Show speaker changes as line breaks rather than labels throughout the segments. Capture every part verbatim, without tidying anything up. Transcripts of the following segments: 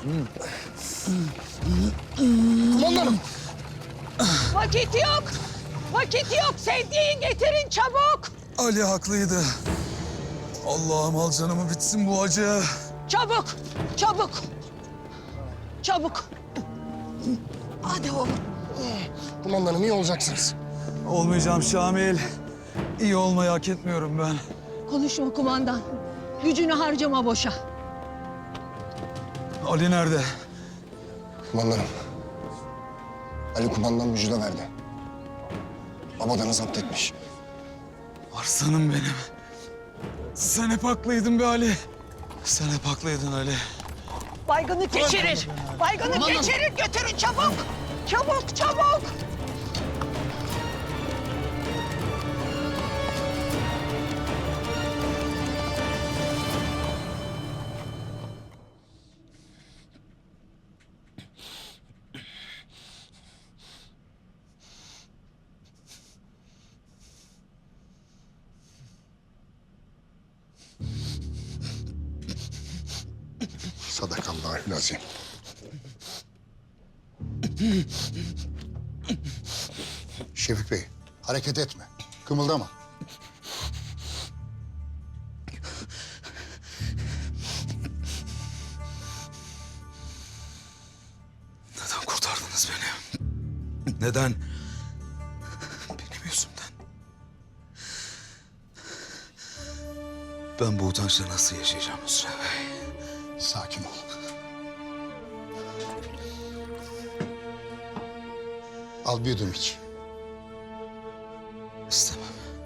Kumandanım.
Vakit yok. Vakit yok. Sevdiğin getirin çabuk.
Ali haklıydı. Allah'ım al canımı bitsin bu acı.
Çabuk. Çabuk. Çabuk. Hadi oğlum.
Kumandanım iyi olacaksınız.
Olmayacağım Şamil. İyi olmayı hak etmiyorum ben.
Konuşma kumandan. Gücünü harcama boşa.
Ali nerede?
Kumandanım. Ali kumandan müjde verdi. Babadanı zapt etmiş.
Arslanım benim. Sen hep haklıydın be Ali. Sen hep haklıydın Ali.
Baygını geçirir. Baygını geçirir. Götürün çabuk. Çabuk çabuk.
Sadakallahülazim.
Şefik Bey, hareket etme. Kımıldama.
Neden kurtardınız beni? Neden? Benim yüzümden. Ben bu utançla nasıl yaşayacağım Hüsrev Bey?
Sakin ol. Al bir yudum iç.
İstemem.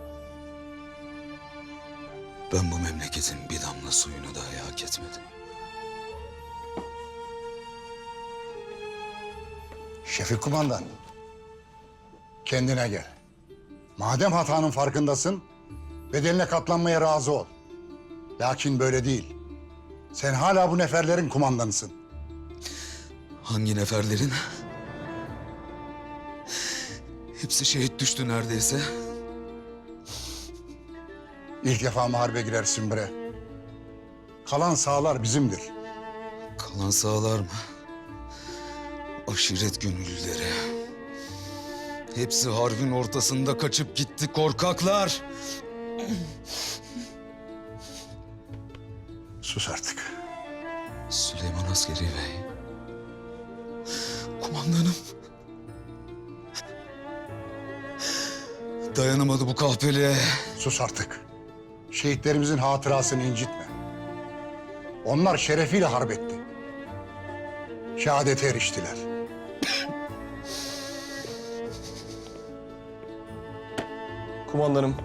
Ben bu memleketin bir damla suyunu dahi hak etmedim.
Şefik kumandan. Kendine gel. Madem hatanın farkındasın, bedeline katlanmaya razı ol. Lakin böyle değil. Sen hala bu neferlerin kumandanısın.
Hangi neferlerin? Hepsi şehit düştü neredeyse.
İlk defa mı harbe girersin bre? Kalan sağlar bizimdir.
Kalan sağlar mı? Aşiret gönüllüleri. Hepsi harbin ortasında kaçıp gitti korkaklar.
Sus artık.
Süleyman Askeri Bey. Kumandanım. Dayanamadı bu kahpeliğe.
Sus artık. Şehitlerimizin hatırasını incitme. Onlar şerefiyle harp etti. Şehadete eriştiler.
Kumandanım.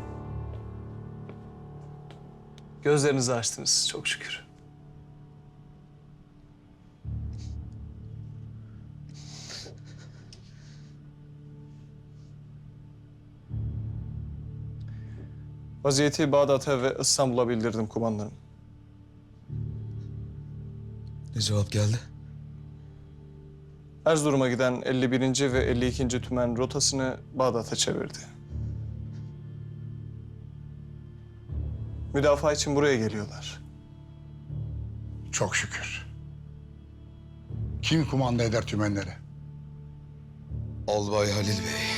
Gözlerinizi açtınız çok şükür. Vaziyeti Bağdat'a ve İstanbul'a bildirdim kumandanım.
Ne cevap geldi?
Erzurum'a giden elli birinci ve elli ikinci tümen rotasını Bağdat'a çevirdi. Müdafaa için buraya geliyorlar.
Çok şükür. Kim kumanda eder tümenleri?
Albay Halil Bey.